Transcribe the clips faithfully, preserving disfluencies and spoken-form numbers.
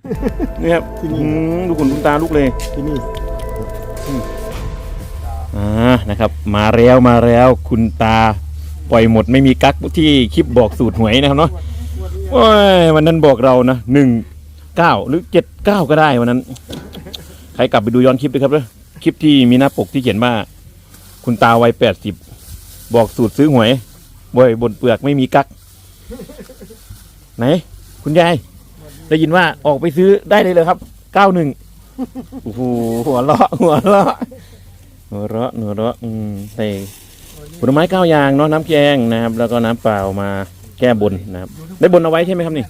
นี่ครับที่นี่ดูขนคุณตาลูกเลยที่นี่อ่านะครับมาแล้วมาแล้วคุณตาปล่อยหมดไม่มีกั๊กที่คลิปบอกสูตรหวยนะครับเนาะโอ้ยวันนั้นบอกเรานะหนึ่งเก้าหรือเจ็ดเก้าก็ได้วันนั้นใครกลับไปดูย้อนคลิปด้วยครับเด้อคลิปที่มีหน้าปกที่เขียนว่าคุณตาวัยแปดสิบบอกสูตรซื้อหวยบ่อยบนเปลือกไม่มีกั๊กไหนคุณยายได้ยินว่าออกไปซื้อได้เลยเลยครับเก้าหนึ่งโอ้โหหัวเราะหัวเราะหัวเราะหัวเราะอืมใส่ผลไม้เก้าอย่างเนาะน้ำแกงนะครับแล้วก็น้ำเปล่ามาแก้บนนะครับได้บนเอาไว้ใช่ไหมครับนี่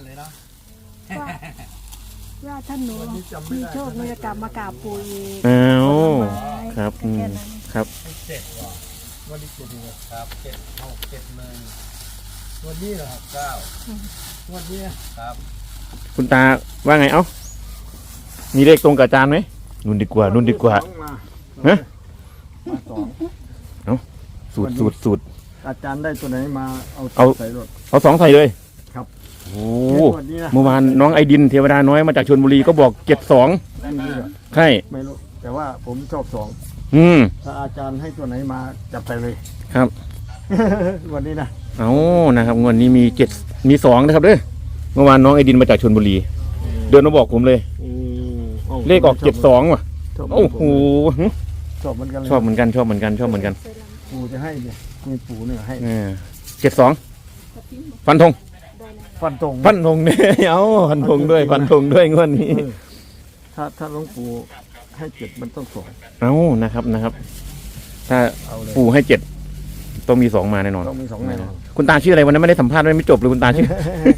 ว่าท่านหนูมีโชคหนูจะกลับมากราบปู่อีกอ้าวครับครับวันที่เจ็ดครับเจ็ดหกเจ็ดหนึ่งวันนี้เหรอครับเก้าวันนี้ครับคุณตาว่าไงเอ้ามีเลขตรงกับอาจารย์ไหมนุ่นดีกว่านุ่นดีกว่าฮะเอ้าสูตรสูตรสูตรอาจารย์ได้ตัวไหนมาเอาเอาใส่รถเอาสองใส่เลยครับโอ้เมื่อวานน้องไอดินเทวดาน้อยมาจากชลบุรีก็บอกเจ็ดสองใช่ไม่รู้แต่ว่าผมชอบสองอืมถ้าอาจารย์ให้ตัวไหนมาจับไปเลยครับวันนี้นะเอานะครับงวดนี้มีเจ็ดมีสองนะครับเด้อเมื่อวานน้องไอดินมาจากชลบุรีเดินมาบอกผมเลยเลขออกเจ็ดสองว่ะโอ้โหชอบเหมือนกันชอบเหมือนกันชอบเหมือนกันชอบเหมือนกันปู่จะให้เนี่ยมีปู่เนี่ยให้เจ็ดสองฟันธงฟันธงฟันธงเนี่ยเอาฟันธงด้วยฟันธงด้วยงวดนี้ถ้าถ้าหลวงปู่ให้เจ็ดมันต้องสองเอานะครับนะครับถ้าปู่ให้เจ็ดต้องมีสองมาแน่นอนต้องมีสองแน่นอนคุณตาชื่ออะไรวันนั้นไม่ได้สัมภาษณ์ไม่จบเลยคุณตาชื่อ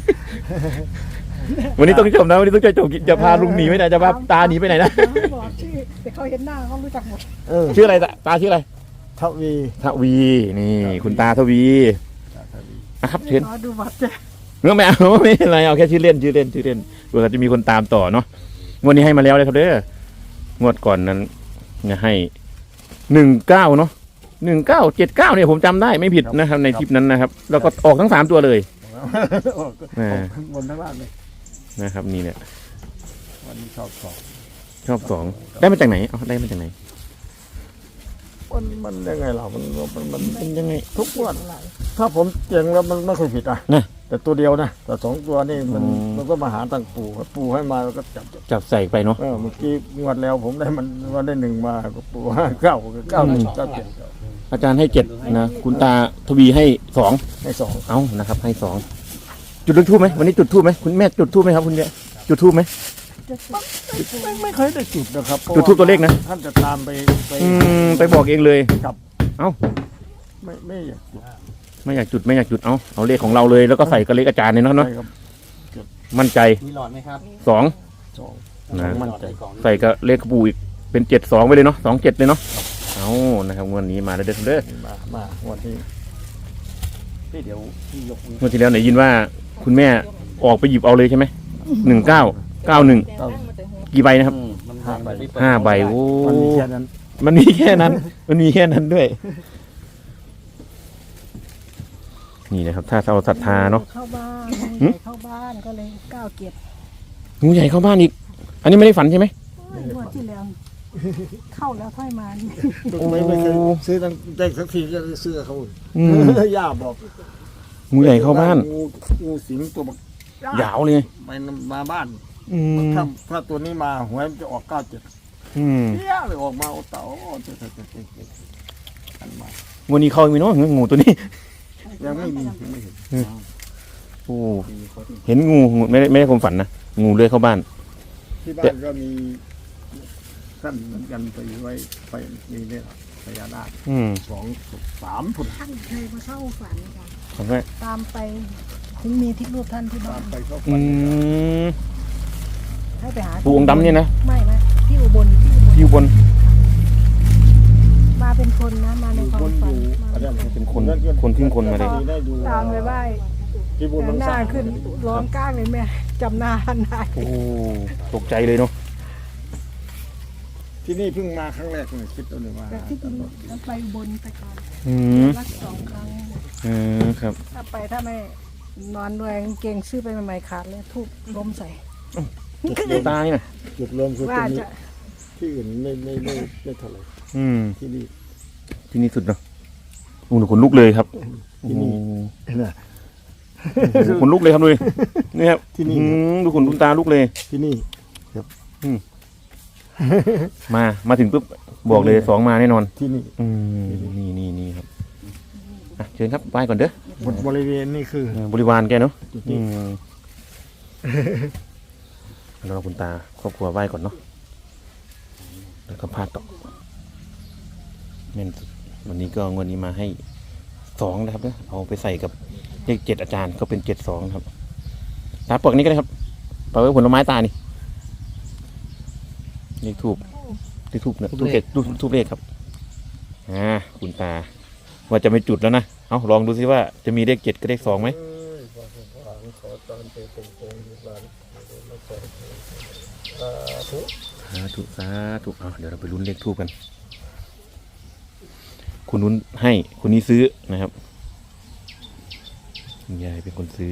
วันนี้ต้องจบนะวันนี้ต้องจบจะพาลุงหนีไปไหนจะพาตาหนีไปไหนนะบอกชื่อแต่เขาเห็นหน้าเขารู้จักหมดชื่ออะไรตาชื่ออะไรทวีทวีนี่คุณตาทวีนะครับเชิญดูบัตรเจ้เมื่อไม่เอาไม่อะไรเอาแค่ชื่อเล่นชื่อเล่นชื่อเล่นเผื่อจะมีคนตามต่อเนาะงวดนี้ให้มาแล้วเลยครับเด้องวดก่อนนั้นเนี่ยให้หนึ่งเก้าเนาะหนึ่งเก้าเจ็ดเก้าเนี่ยผมจำได้ไม่ผิดนะครับในคลิปนั้นนะครับแล้วก็ออกทั้งสามตัวเลยบนทั้งล่างเลยนะครับนี่เนี่ยวันนี้ชอบสองชอบสองได้มาจากไหนเอาได้มาจากไหนมันมันยังไงล่ะมันมันมันเป็นยังไงทุกวันถ้าผมเก่งแล้วมันไม่เคยผิดอ่ะนะแต่ตัวเดียวนะแต่สองตัวนี่มันมันก็มาหาตั้งปู่ปู่ให้มาแล้วก็จับจับใส่ไปเนาะเมื่อกี้งวดแล้วผมได้มันวันได้หนึ่งมาก็ปู่ห้าเก้าเก้าหนึ่งเก้าเจ็ดอาจารย์ให้เจ็ดนะคุณตาทวีให้สองให้สองเอ้านะครับให้สองจุดทูบไหมวันนี้จุดทูบไหมคุณแม่จุดทูบไหมครับคุณแม่จุดทูบไหมไม่ไม่เคยได้จุดนะครับจุดทูบตัวเลขนะท่านจะตามไปไปไปบอกเองเลยครับเอ้าไม่ไม่อยากจุดไม่อยากจุดไม่อยากจุดเอาเอาเลขของเราเลยแล้วก็ใส่กระเลขอาจารย์เนี่ยเนาะเนาะมั่นใจมีหลอดไหมครับสองสองนะมั่นใจใส่กระเลขปูอีกเป็นเจ็ดสองไปเลยเนาะสองเจ็ดเลยเนาะเอานะครับงวดนี้มาเด้อเด้อมามาวันที่เดี๋ยวที่ยกงวดที่แล้วไหนยินว่าคุณแม่ออกไปหยิบเอาเลยใช่ไหมหนึ่งเก้าเก้าหนึ่งกี่ใบนะครับห้าใบห้าใบโอ้มันมีแค่นั้นมันมีแค่นั้นมันมีแค่นั้นด้วยนี่นะครับถ้าเราศรัทธาเนาะเข้าบ้านงูใหญ่เข้าบ้านก็เลยเก้าเก็บงูใหญ่เข้าบ้านอีกอันนี้ไม่ได้ฝันใช่ไหมงวดที่แล้วเข้าแล้วค่อยมาไม่ไม่เคยซื้อตั้งได้สักทีจะซื้อเขาย่าบอกงูใหญ่เข้าบ้านงูงูสิงตัวยาวเลยไปมาบ้านถ้าถ้าตัวนี้มาหวยจะออกเก้าเจ็ดเที่ยเลยออกมาโอ้เต่าเจ็ดเจ็ดเจ็ดเจ็ดเจ็ดอันมาวันนี้เขามีเนาะงูตัวนี้ยังไม่มียังไม่เห็นโอ้เห็นงูไม่ได้ไม่ได้ความฝันนะงูเลื้อยเข้าบ้านที่บ้านก็มีท่านเหมือนกันไปไว้ไปมีเนี่ยพญานาคสองสามผุดท่านเคยมาเข้าฝันกันตามไปถึงมีที่รูปท่านที่บ้านอืมให้ไปหาปู่องค์ดำเนี่ยนะไม่ไม่ที่อุบลที่อุบลมาเป็นคนนะมาในความฝันเป็นคนคนทิ้งคนมาเลยตามไปไหว้หน้าขึ้นร้องก้างเลยแม่จำหน้าท่านได้โอ้ตกใจเลยเนาะที่นี่เพิ่งมาครั้งแรกเลยคิดตัวหนึ่งว่าที่จริงแล้วไปบนไปก่อนรักสองครั้งอืมครับถ้าไปถ้าไม่นอนด้วยเก่งซื้อไปใหม่ๆขาดเลยทุบล้มใส่ตานี่นะจุดรวมคือตรว่างนี้จะที่อื่นไม่ไม่ไม่ไม่เท่าไหร่อืมที่นี่ที่นี่สุดเนาะโอ้โหขนลุกเลยครับที่นี่โอ้โหเห็นไหมขนลุกเลยครับดูดินี่ครับที่นี่อืมดูขนลุกตาลุกเลยที่นี่มามาถึงปุ๊บบอกเลยสองมาแน่นอนที่นี่อืมนี่นี่นี่ครับอ่ะเชิญครับไหว้ก่อนเด้อหมดบริเวณนี่คือเออบริวารแกเนาะจุดอืนี้มแล้วเราคุณตาครอบครัวไหว้ก่อนเนาะแล้วก็พาดต่อแม่นสุดวันนี้ก็งวดนี้มาให้สองนะครับเนี่ยเอาไปใส่กับเลขเจ็ดอาจารย์ก็เป็นเจ็ดสองครับตาปลอกนี้ก็ได้ครับปลอกไว้ผลไม้ตานี่เลขทูบเลขทูบนะทูบเลขทูบทูบเลขครับอ่าคุณตา ว่าจะไม่จุดแล้วนะเอาลองดูซิว่าจะมีเลขเจ็ดกับเลขสองไหมสาธุสาธุเอาเดี๋ยวเราไปลุ้นเลขทูบกัน คุณนุ้นให้คุณนี้ซื้อนะครับคุณยายเป็นคนซื้อ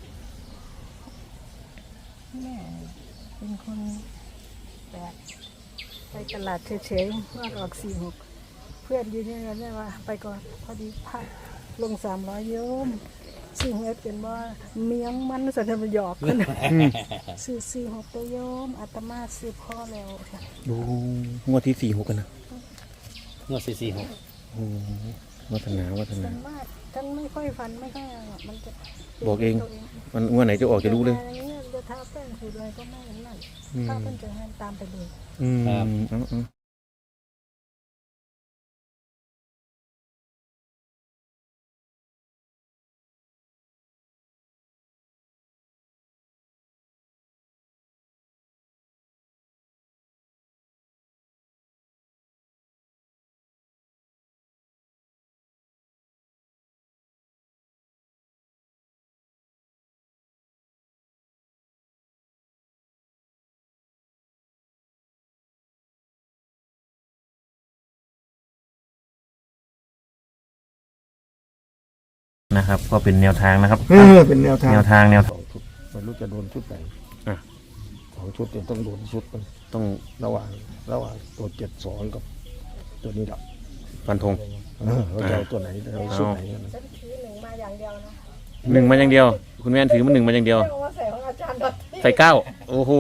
แม่เป็นคนแบบไปตลาดเฉยๆว่าออกสี่หกเพื่อนยืนยันกันได้ว่า ไปก่อนพอดีพระลงสามร้อยโยมซึ่งเอฟเป็นว่าเมียงมันสันทหยอกกันซื้อสี่หกตัวโยมอาตมาซื้อพ่อแล้วดูงวดที่สี่หกกันนะงวดสี่สี่หกโอ้วัฒนาวัฒนาฉันว่าฉันไม่ค่อยฟันไม่ค่อยอะไรหรอกมันจะบอกเอง มันงวดไหนจะออกจะรู้เลยอย่างนี้จะทาแป้งขูดอะไรก็ไม่เห็นนั่นอืมถ้าเพิ่นจะให้ตามไปเลยอืมเอาเอานะครับ ก็เป็นแนวทางนะครับเออเป็นแนวทางแนวทางแนวสองชุดไม่รู้จะโดนชุดไหนอ่ะสองชุดเนี่ยต้องโดนชุดมันต้องระหว่างระหว่างตัวเจ็ดสองกับตัวนี้ดับฟันธงเออเราจะเอาตัวไหนเราเอาชุดไหนกันนะฉันถือหนึ่งมาอย่างเดียวนะหนึ่งมาอย่างเดียว คุณแม่นถือมันหนึ่งมาอย่างเดียวไม่เอามาใส่ของอาจารย์ดอทที่ใส่เก้าโอ้โห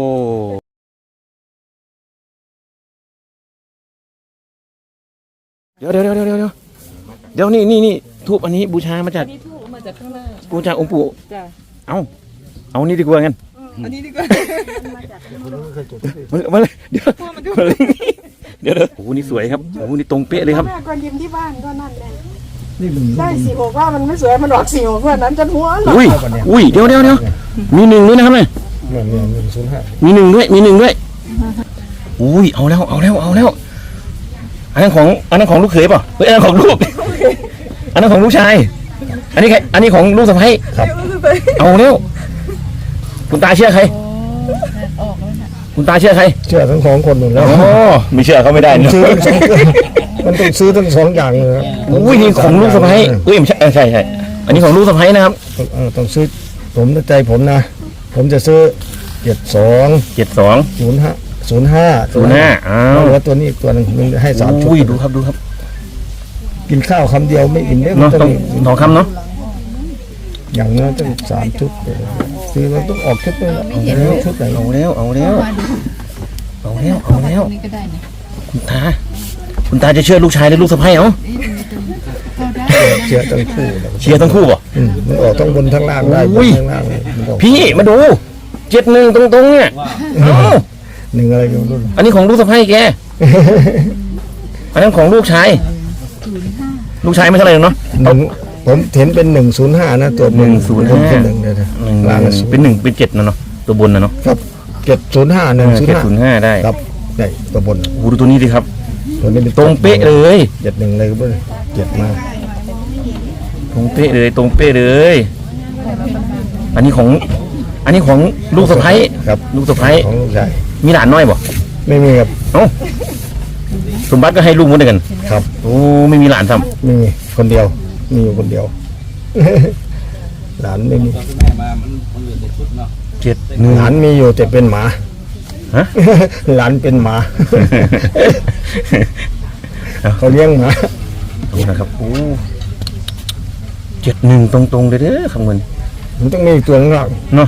เดี๋ยวเดี๋ยวเดี๋ยวเดี๋ยวเดี๋ยวเดี๋ยวนี่นี่นี่ทูบอันนี้บูชามาจากอันนี้ถูกมาจากข้างหน้าบูชาองค์ปู่จ้ะเอาเอานี่ดีกว่างั้นอันนี้ดีกว่ามาจากคุณไม่เคยจุดมาเลยมาเลยเดี๋ยวมาเลยเดี๋ยวเดี๋ยวโอ้โหนี่สวยครับโอ้โหนี่ตรงเป๊ะเลยครับแม่ก่อนยิ้มที่บ้านก็นั่นแหละนี่มึงได้สี่หกว่ามันไม่สวยมันออกสี่หกว่านั้นจนหัวหลออุ้ยอุ้ยเดี๋ยวเดี๋ยวเดี๋ยวมีหนึ่งด้วยนะครับเนี่ยเนี่ยเนี่ยหนึ่งศูนย์ห้ามีหนึ่งด้วยมีหนึ่งด้วยอุ้ยเอาแล้วเอาแล้วเอาแล้วอันนั้นของอันนั้นของลูกเขยเปล่าเฮ้ยอันนั้นของลูกอันนั้นของลูกชาย อันนี้ใครอันนี้ของลูกสะใภ้เอาแล้วคุณตาเชื่อใครคุณตาเชื่อใครเชื่อทั้งสองคนหมดแล้วอ๋อไม่เชื่อเขาไม่ได้เนอะซื้อทั้งสองมันต้องซื้อทั้งสองอย่างเลยครับอุ้ยนี่ของลูกสะใภ้เอ้ยไม่ใช่เออใช่ใช่อันนี้ของลูกสะใภ้นะครับเออต้องซื้อผมในใจผมนะ ผมจะซื้อเจ็ดสองเจ็ดสองศูนย์ห้าศูนย์ห้าศูนย์ห้าอ้าวแล้วตัวนี้อีกตัวหนึงมันให้สามชุดอุ้ยดูครับดูครับกินข้าวคำเดียวไม่อิ่มเนี่ยมัเนาะนต้ต้ออง งทองคำเนาะอย่างน้อยต้องสามชุดซื้อมันต้องออกชุดเลยเอาแล้วชุดไหนเอาแล้วเอาแล้วเอาแล้วเอาแล้วนี่ก็ได้นะคุณตาคุณตาจะเชื่อลูกชายหรือลูกสะใภ้เอ้าก็ได้เชียร์ทั้งคู่เลยเชียร์ทั้งคู่ป่ะอืมมันออกทั้งบนทั้งล่างได้บอุ้นยทั้งล่างเลยมันออกพี่มาดูเจ็ดหนึ่งตรงๆเนี่ยเอ้าหนึ่งอะไรก็ไม่รู้อันนี้ของลูกสะใภ้แกอันนั้นของลูกชายลูกชายไม่เท่าไหร่หรอกเนาะหนึ่งผมเห็นเป็นหนึ่งศูนย์ห้านะตัวบหนึ่งศูนย์ห้าเป็นหนึ่งเลยนะหนึ่งล่างศูเป็น นหนึ่งเป็นเจ็ดนะเนาะตัวบนนะเนาะครับเจ็ดศูนย์ห้าหนึ่งศูนเจ็ดย์ห้าศูนย์ห้าได้ครับได้ตัวบนโอ้โหดูตัวนี้ดิครับตัวนี้เป็นตรงเป๊ะเลยเจ็ดหนึ่งเลยก็เลยเจ็ดมาตรงเป๊ะเลยตรงเป๊ะเลย อันนี้ของ อันนี้ของลูกสะใภ้ครับลูกสะใภ้ของลูกชายมีหลานน้อยบ่ไม่มีครับเอ้าสมบัติก็ให้ลูกหมดเลยกันครับโอ้ไม่มีหลานทไม่มีคนเดียว มีอยู่คนเดียว หลานไม่มีแม่มามันมันเหลือแต่ชุดเนาะำเจ็ดหนึ่งหลานมีอยู่แต่เป็นหมาอฮะหลานเป็นหมา เขาเลี้ยงหมาดูนะครับโอ้เจ็ดหนึ่งตรงๆเลยเด้อคำเงินมันต้องมีตัวข้างหลังเนาะ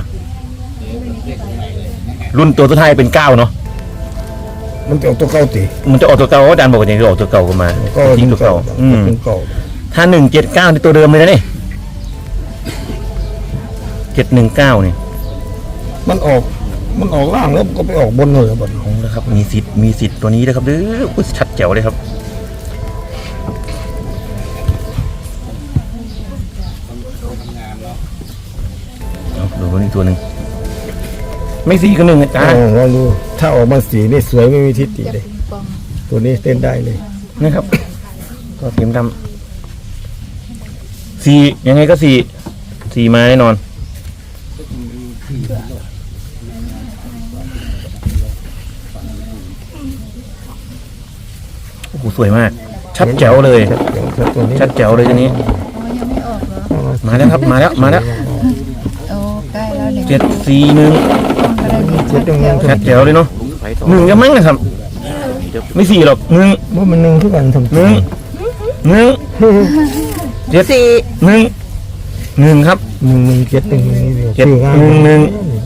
รุ่นตัวสุดท้ายเป็นเก้าเนาะมันจะออกตัวเก่าตีมันจะออกตัวเก่าอาจารย์บอกว่าอย่างนี้ออกตัวเก่ากันมาก็ทิ้งตัวเก่าอืมเป็นเก่าถ้าหนึ่งเจ็ดเก้านี่ตัวเดิมเลยนะนี่เจ็ดหนึ่งเก้านี่มันออกมันออกล่างแล้วก็ไปออกบนเลยบนโอ้นะครับมีสิทธิ์มีสิทธิ์ตัวนี้นะครับเด้ออุ๊ยชัดแจ๋วเลยครับเอาดูตัวนี้ตัวหนึ่งไม่สี่ก็หนึ่งอาจารย์ลองดูถ้าออกมาสีนี่สวยไม่มีทิฏฐิเลย ตัวนี้เต้นได้เลยนะครับก็เข็มดำสี่ยังไงก็สี่สี่มาแน่นอนโอ้โหสวยมาก ชัดแจ๋วเลยชัดตัวนี้ชัดแจ๋วเลยทีนี้อ๋อยังไม่ออกเหรอมาแล้วครับมาแล้วมาแล้วโอ้ใกล้แล้วเนี่ยเจ็ดสี่หนึ่งก็ได้ดีเจ็ดตรงนั้นชัดแจ๋วเลยเนาะหนึ่งก็มั้งนะครับ ไม่สี่หรอกหนึ่งว่ามันหนึ่งทุกวันทำหนึ่งหนึ่งเจ็ดสี่หนึ่งหนึ่งครับหนึ่งหนึ่งเจ็ดหนึ่งนี่เดียวเจ็ดชื่อง่ายหนึ่งหนึ่ง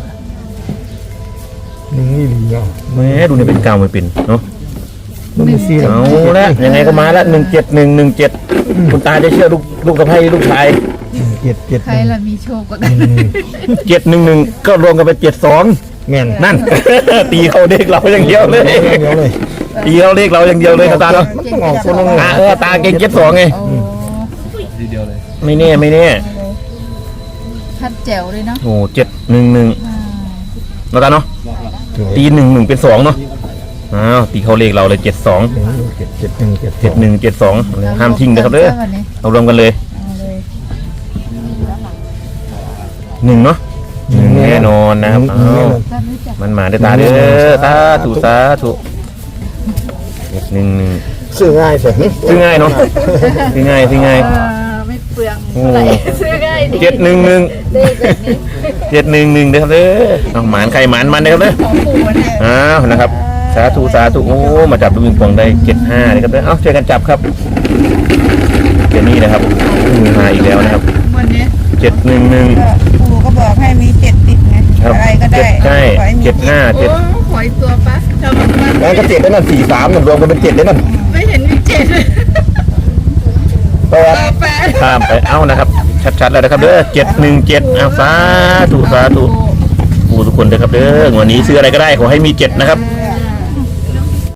หนึ่งนี่ดีอ่ะแม่ดูนี่เป็นเก้าไม่เป็นเนาะมันไม่ซีเอาละยังไงก็มาละหนึ่งเจ็ดหนึ่งหนึ่งเจ็ดคุณตาจะเชื่อลูกลูกสะใภ้ลูกชายเจ็ดเจ็ดใครล่ะมีโชคกว่ากันเจ็ดหนึ่งหนึ่งก็รวมกันเป็นเจ็ดสองแม่นนั่น ตีเข้าเลขเราอย่างเดียวเลยเดียวเลยตีเข้าเลขเราอย่างเดียวเลยครับตาเนาะมันต้องออกตัวนึงตาเออตาเก่งเจ็ดสองไงโอ้ไม่แน่ไม่แน่ชัดแจ๋วเลยเนาะโอ้เจ็ดหนึ่งหนึ่งอ่าเราตาเนาะตีหนึ่งหนึ่งเป็นสองเนาะอ้าวตีเข้าเลขเราเลยเจ็ดสองเจ็ดเจ็ดหนึ่งเจ็ดเจ็ดหนึ่งเจ็ดสองห้ามทิ้งนะครับเด้อวันนี้เอารวมกันเลยเอาเลยหนึ่งเนาะหนึ่งแน่นอนนะครับเอาท่านรู้จักมันมาได้ตาเด้อตาถูสาถูเจ็ดหนึ่งหนึ่งซื้อง่ายสิซื้อง่ายเนาะซื้อง่ายซื้อง่ายเออไม่เปลืองโอ้เท่าไหร่ซื้อง่ายดีเจ็ดหนึ่งหนึ่งเลขแบบนี้เจ็ดหนึ่งหนึ่งเด้อครับเด้อเอาหมานใครหมานมันเด้อครับเด้อของปู่เนี่ยอ้าวนะครับสาธุสาธุโอ้มาจับลูกปิงปองได้เจ็ดห้าเลยครับเด้อเอ้าช่วยกันจับครับเจนี่นะครับมือมาอีกแล้วนะครับวันนี้เจ็ดหนึ่งหนึ่งปู่ก็บอกให้มีเจ็ดติดไงครับอะไรก็ได้เจ็ดใช่ขอให้มีเจ็ดห้าเจ็ดโอ้ขอยตัวปะทำมันแล้วก็เจ็ดได้นั่นสี่สามรวมกันเป็นเจ็ดได้นั่นไม่เห็นมีเจ็ดเลยแปดแปดข้ามไปเอ้านะครับ ชัดๆแล้วนะครับเด้อเจ็ดหนึ่งเจ็ดอ้าวสาธุสาธุผู้ทุกคนเด้อครับเด้อวันนี้ซื้ออะไรก็ได้ขอให้มีเจ็ดนะครับเออ